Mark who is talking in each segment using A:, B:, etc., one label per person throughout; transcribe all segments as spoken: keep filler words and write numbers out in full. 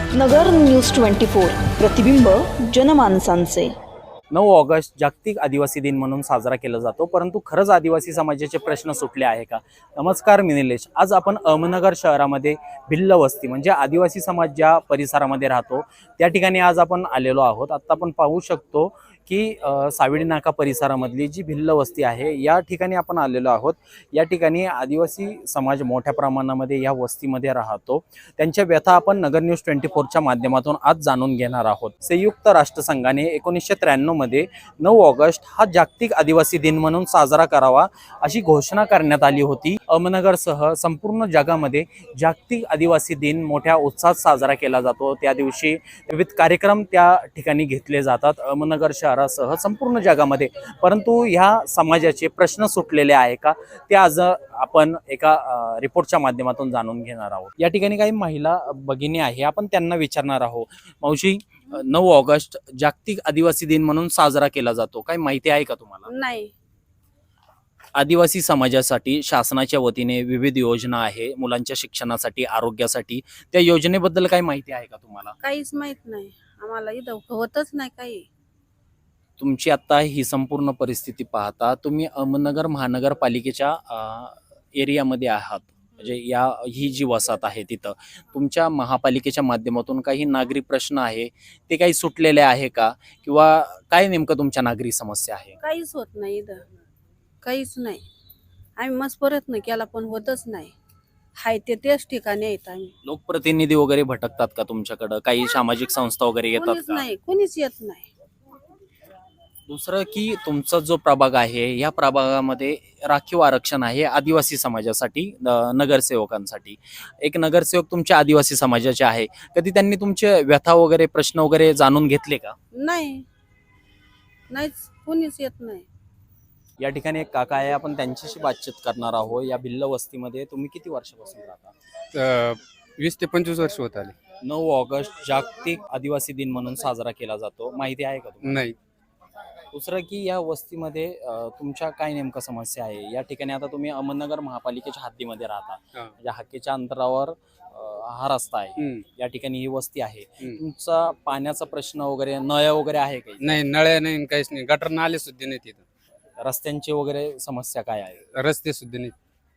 A: नगर news twenty four, प्रतिबिंब जनमानसांचे.
B: नऊ August जागतिक आदिवासी दिन म्हणून साजरा केला जातो, परंतु खरंच आदिवासी समाजाचे प्रश्न सुटले आहे का? नमस्कार, मी निलेश. आज आपण अहमदनगर शहरामध्ये भिल्ल वस्ती म्हणजे आदिवासी समाज ज्या परिसरामध्ये राहतो त्या ठिकाणी आज आपण आलेलो आहोत. आता आपण पाहू शकतो की सावडी नाका परिसरामधली जी भिल्ल वस्ती आहे या ठिकाणी आपण आलेलो आहोत. या ठिकाणी आदिवासी समाज मोठ्या प्रमाणामध्ये या वस्तीमध्ये राहतो. त्यांच्या व्यथा आपण नगर न्यूज ट्वेंटी फोरच्या माध्यमातून आज जाणून घेणार आहोत. संयुक्त राष्ट्रसंघाने एकोणीसशे त्र्याण्णव मध्ये नऊ ऑगस्ट हा जागतिक आदिवासी दिन म्हणून साजरा करावा अशी घोषणा करण्यात आली होती. अहमदनगरसह संपूर्ण जगामध्ये जागतिक आदिवासी दिन मोठ्या उत्साहात साजरा केला जातो. त्या दिवशी विविध कार्यक्रम त्या ठिकाणी घेतले जातात अहमदनगर शहरासह संपूर्ण जगामध्ये. परंतु ह्या समाजाचे प्रश्न सुटलेले आहे का ते आज आपण एका रिपोर्टच्या माध्यमातून जाणून घेणार आहोत. या ठिकाणी काही महिला भगिनी आहे, आपण त्यांना विचारणार आहोत. मावशी, नऊ ऑगस्ट जागतिक आदिवासी दिन म्हणून साजरा केला जातो, काही माहिती आहे का तुम्हाला?
C: नाही.
B: आदिवासी समाजासाठी शासनाच्या वतीने विविध योजना आहे, मुलांच्या शिक्षणासाठी, आरोग्यासाठी. त्या योजनेबद्दल काही माहिती आहे का तुम्हाला?
C: काहीच माहित नाही आम्हाला, इथं होतच नाही काही.
B: तुमची आता ही संपूर्ण परिस्थिती पाहता तुम्ही अहमदनगर महानगरपालिकेच्या एरियामध्ये आहात, म्हणजे या ही जी वसाहत आहे तिथं तुमच्या महापालिकेच्या माध्यमातून काही नागरी प्रश्न आहे ते काही सुटलेले आहे का, किंवा काय नेमकं तुमच्या नागरी समस्या आहे?
C: काहीच होत नाही इथं, काहीच नाही. आम्ही मस्त प्रयत्न केला पण होतच नाही. हाय ते तेच ठिकाणी आहेत आम्ही.
B: लोकप्रतिनिधी वगैरे भटकतात का तुमच्याकडं? काही सामाजिक संस्था वगैरे येतात
C: कोणीच
B: का?
C: नाही, कोणीच येत नाही.
B: दुसरं की तुमचा जो प्रभाग आहे या प्रभागामध्ये राखीव आरक्षण आहे आदिवासी समाजासाठी, नगरसेवकांसाठी. एक नगरसेवक तुमच्या आदिवासी समाजाचे आहे, कधी त्यांनी तुमचे व्यथा वगैरे प्रश्न वगैरे जाणून घेतले का?
C: नाही, नाहीच, कोणीच येत नाही.
B: या ठिकाणी एक काका आहे, आपण त्यांच्याशी बातचीत करणार आहोत. या भिल्ल वस्तीमध्ये तुम्ही किती वर्षापासून राहता?
D: वीस ते पंचवीस वर्ष होत आले.
B: नऊ ऑगस्ट जागतिक आदिवासी दिन म्हणून साजरा केला जातो, माहिती आहे का तुम्हाला?
D: नाही.
B: दुसरं की या वस्तीमध्ये तुमच्या काय नेमकं समस्या आहे? या ठिकाणी आता तुम्ही अहमदनगर महापालिकेच्या हद्दीमध्ये राहता, म्हणजे हक्कीच्या अंतरावर हा रस्ता आहे. या ठिकाणी ही वस्ती आहे. तुमचा पाण्याचा प्रश्न वगैरे, नळ वगैरे आहे काही?
D: नाही, नळ्या नाही, काहीच नाही. गटर नाले सुद्धा नाही तिथं.
B: रस्त्यांची वगैरे समस्या काय आहे?
D: रस्ते सुद्धा नाही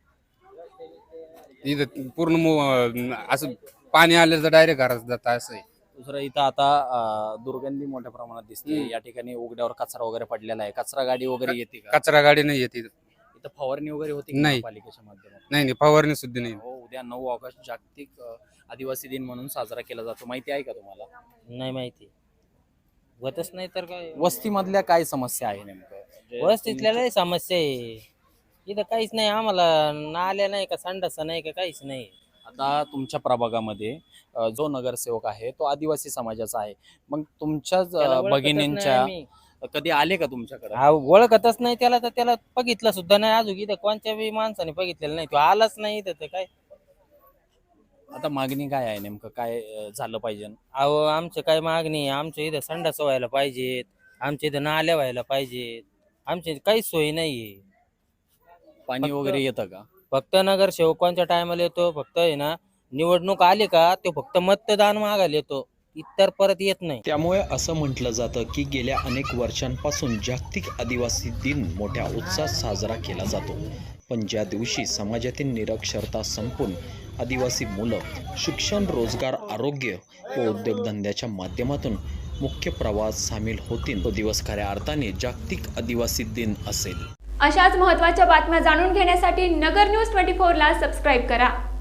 D: इथं. पूर्ण असं पाणी आलं तर डायरेक्ट घरात जात असं आहे.
B: दुसरं इथं आता दुर्गंधी मोठ्या प्रमाणात दिसते. या ठिकाणी उघड्यावर कचरा वगैरे पडलेला आहे. कचरा गाडी वगैरे येते का?
D: कचरा गाडी नाही येते इथं.
B: इथं फवारणी वगैरे होती
D: नाही.
B: पालिकेच्या माध्यमातून?
D: नाही नाही, फवारणी सुद्धा नाही.
B: हो, उद्या नऊ ऑगस्ट जागतिक आदिवासी दिन म्हणून साजरा केला जातो, माहिती आहे का तुम्हाला?
E: नाही माहिती, होतच नाही तर काय.
B: वस्तीमधल्या काय समस्या आहे नेमकं?
E: वस्तीतल्या लय समस्या आहे इथं. काहीच नाही आम्हाला, नाल्या नाही का, संडास नाही का, काहीच नाही.
B: आता तुमच्या प्रभागामध्ये जो नगरसेवक आहे तो आदिवासी समाजाचा आहे, मग तुमच्याच भगिनींच्या कधी आले का तुमच्याकडे?
E: हा, ओळखतच नाही त्याला, तर त्याला बघितलं सुद्धा नाही अजून. इथं कोणत्या बी माणसाने बघितलेलं नाही, तो आलाच नाही इथं. तर काय
B: आता मागणी काय आहे नेमकं, काय झालं पाहिजे?
E: अहो, आमचं काय मागणी आहे? आमच्या इथं संडास व्हायला पाहिजेत, आमच्या इथं नाल्या व्हायला पाहिजेत, आमच्या काहीच सोयी नाहीये.
B: पाणी वगैरे येतं का?
E: फक्त नगरसेवकांच्या टायमाला येतो, फक्त आहे ना निवडणूक आली का तो फक्त मतदान मागायला येतो, इतर परत येत नाही.
F: त्यामुळे असं म्हटलं जातं की गेल्या अनेक वर्षांपासून जागतिक आदिवासी दिन मोठ्या उत्साहात साजरा केला जातो. पण ज्या दिवशी समाजातील निरक्षरता संपून आदिवासी मुलं शिक्षण, रोजगार, आरोग्य व उद्योगधंद्याच्या माध्यमातून मुख्य प्रवाहात सामील होतील, तो दिवस खऱ्या अर्थाने जागतिक आदिवासी दिन असेल.
G: अशाच महत्त्वाच्या बातम्या जाणून घेण्यासाठी नगर न्यूज ट्वेंटी फोर ला सबस्क्राईब करा.